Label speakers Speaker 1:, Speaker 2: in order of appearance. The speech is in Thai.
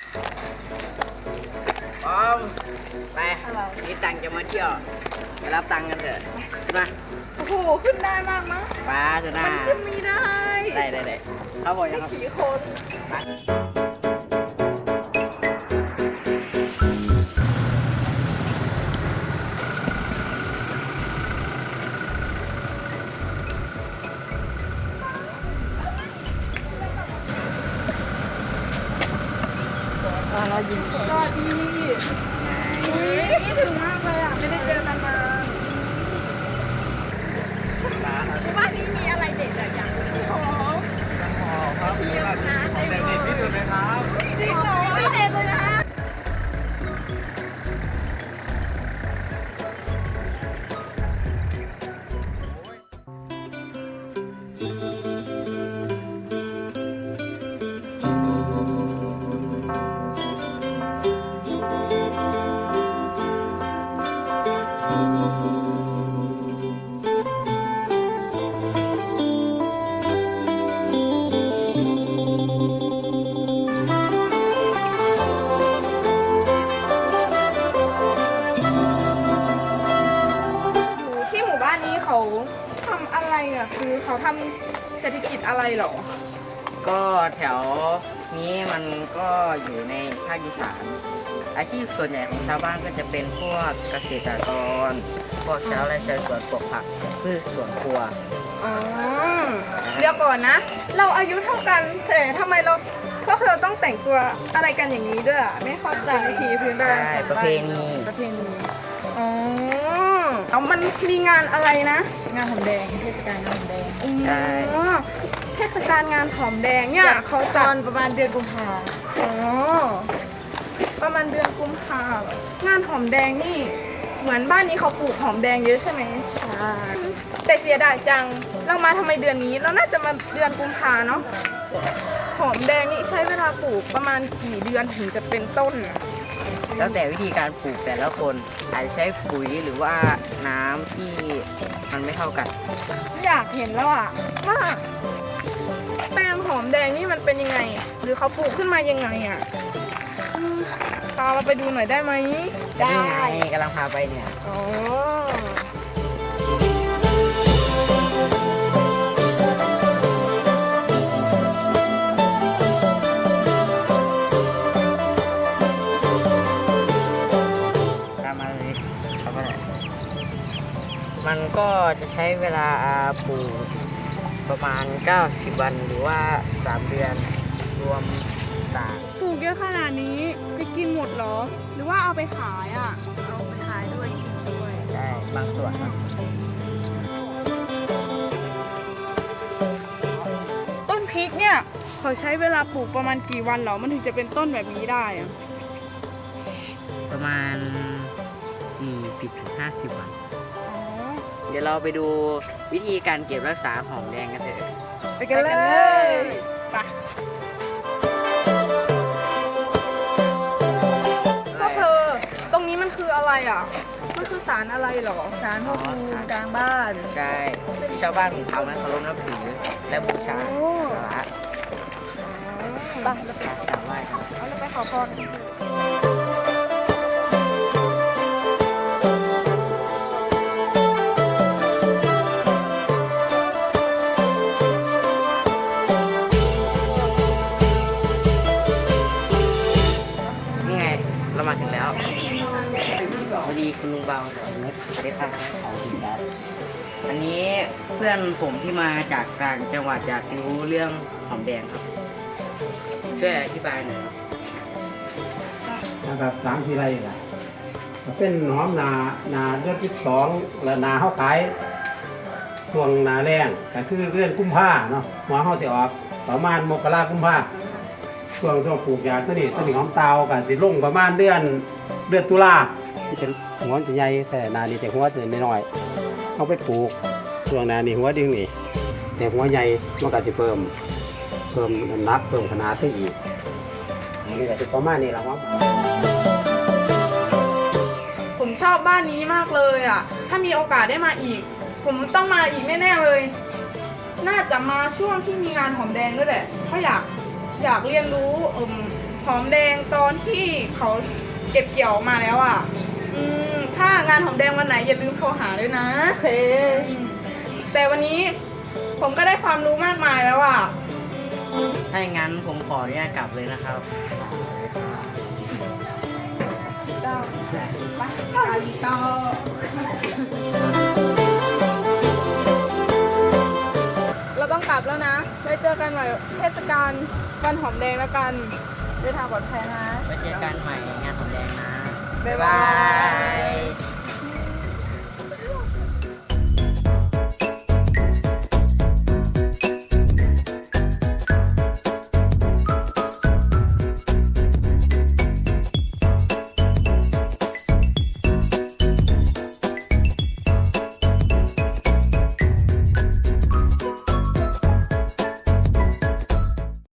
Speaker 1: พร้อมไปนี่ตังจะมาเที่ยวไปรับตังกันเถอะขึ้นมา
Speaker 2: โอ้โหขึ้นได้มากมั้ง
Speaker 1: ป้าเถอะนะ
Speaker 2: มันขึ้นไม่ได้
Speaker 1: ได้เขาบอกยังครับ
Speaker 2: ขี่คน
Speaker 1: ไปเรายิง
Speaker 2: สวัสดีคิดถึงมากเลยอ่ะไม่ได้เจอกันมาบ้านนี้มีอะไรเด็ดอย่างที่หอมเทียมนะเต็มเลยที่สุดเลยครับจริงเหรอไม่เด็ดเลยนะที่หมู่บ้านนี้เขาทำอะไรอ่ะคือเขาทำเศรษฐกิจอะไรเหรอ
Speaker 1: ก็แถวนี้มันก็อยู่ในภาคอีสานอาชีพส่วนใหญ่ของชาวบ้านก็จะเป็นพวกเกษตรกรพวกชาวไร่ชาวสวนปลูกผักพืชสวนครัว
Speaker 2: อ๋อเดี๋ยวก่อนนะ เราอายุเท่ากันแต่ทำไมเราพวกเราต้องแต่งตัวอะไรกันอย่างนี้ด้วยอ่ะไม่เข้าใจวิถีพื้นบ้าน
Speaker 1: ใช่ประเพณี
Speaker 2: ประเพณีอ๋อเอามันมีงานอะไรนะ
Speaker 3: งานหอมแดงเทศกาลงานหอมแดง
Speaker 1: ใช่
Speaker 2: อ๋อเทศกาลงานหอมแดงเนี่ยเขา
Speaker 3: ต
Speaker 2: จัด
Speaker 3: อนประมาณเดือนกุมภา
Speaker 2: อ๋อประมาณเดือนกุมภาพันธ์งานหอมแดงนี่เหมือนบ้านนี้เขาปลูกหอมแดงเยอะใช่ไหม
Speaker 3: ใช่
Speaker 2: แต่เสียดายจังเรามาทำไมเดือนนี้เราน่าจะมาเดือนกุมภาเนาะหอมแดงนี่ใช้เวลาปลูกประมาณกี่เดือนถึงจะเป็นต้นอะ
Speaker 1: แล้วแต่วิธีการปลูกแต่ละคนอาจจะใช้ปุ๋ยหรือว่าน้ำที่มันไม่เท่ากัน
Speaker 2: อยากเห็นแล้วอะว่าแปลงหอมแดงนี่มันเป็นยังไง หรือเขาปลูกขึ้นมายังไงอะพาเราไปดูหน่อยได้ไหม
Speaker 1: นี่ไงกำลังพาไปเนี่ย
Speaker 2: อ๋อ
Speaker 1: ตามมาเลยครับมันก็จะใช้เวลาปลูกประมาณ 90 วันหรือว่า 3 เดือนรวมต่าง
Speaker 2: ปลูกเยอะขนาดนี้จะกินหมดเหรอ หรือว่าเอาไปขายอะ
Speaker 3: เอาไปขายด้วยกินด้วย
Speaker 1: ได้บางส่วนนะ
Speaker 2: ต้นพริกเนี่ยเขาใช้เวลาปลูกประมาณกี่วันเหรอ มันถึงจะเป็นต้นแบบนี้ได้อะ
Speaker 1: ประมาณ 40-50 วัน
Speaker 2: อ๋อ
Speaker 1: เดี๋ยวเราไปดูวิธีการเก็บรักษาหอมแดงกันเถอะ
Speaker 2: ไปกันเลยไปพวกเธอ ตรงนี้มันคืออะไรอ่ะ มันคือสารอะไรเหรอ
Speaker 3: สารพระภูมิกลางบ้าน
Speaker 1: ใช่ที่ชาวบ้านของเขานั้นเคารพนับถือและบูชา
Speaker 2: โอ้
Speaker 1: สาระ
Speaker 2: ไป
Speaker 1: กราบไหว้ครับ
Speaker 2: เอาเราไปขอพรกันเถอะ
Speaker 1: นี่ไงเรามาถึงแล้วพอดีคุณลุงเบาสวัสดีครับอันนี้เพื่อนผมที่มาจากต่างจังหวัดอยากรู้เรื่องหอมแดงครับ ช่วยอธิบายหน่อยครับ
Speaker 4: นะครับ3 ทีไรล่ะก็เป็นหอมนาเดือน12และนาเฮาขายช่วงนาแรงก็คือเดือนกุมภาเนาะหัวเฮาสิออกประมาณมกรากุมภาช่วงปลูกยาตัวนี้หอมเตาก็สิลงประมาณเดือนตุลาจะหัวจะใหญ่แต่นานี้จะหัวจะน้อยๆเอาไปปลูกช่วงนานี้หัวดึงนี่แต่หัวใหญ่มันก็สิเพิ่มน้ำหนักเพิ่มขนาดไปอีกอันนี้ก็สิประมาณนี้ล่ะครับ
Speaker 2: ผมชอบบ้านนี้มากเลยอ่ะ ถ้ามีโอกาสได้มาอีก ผมต้องมาอีกแน่ๆเลย น่าจะมาช่วงที่มีงานหอมแดงด้วยแหละเพราะอยากเรียนรู้หอมแดงตอนที่เขาเก็บเกี่ยวมาแล้วอ่ะถ้างานหอมแดงวันไหนอย่าลืมโทรหาด้วยนะ
Speaker 3: โอเค
Speaker 2: แต่วันนี้ผมก็ได้ความรู้มากมายแล้วอ่ะ
Speaker 1: ถ้าอย่างนั้นผมขออนุญาตกลับเลยนะครับ
Speaker 2: เราต้องกลับแล้วนะไว้เจอกันใหม่เทศกาลวันหอมแดงแล้วกันเดินทางปลอดภัยนะ
Speaker 1: ไว้เจอกันใหม่งานหอมแดงนะ
Speaker 2: บ๊ายบาย
Speaker 1: บ๊ายบาย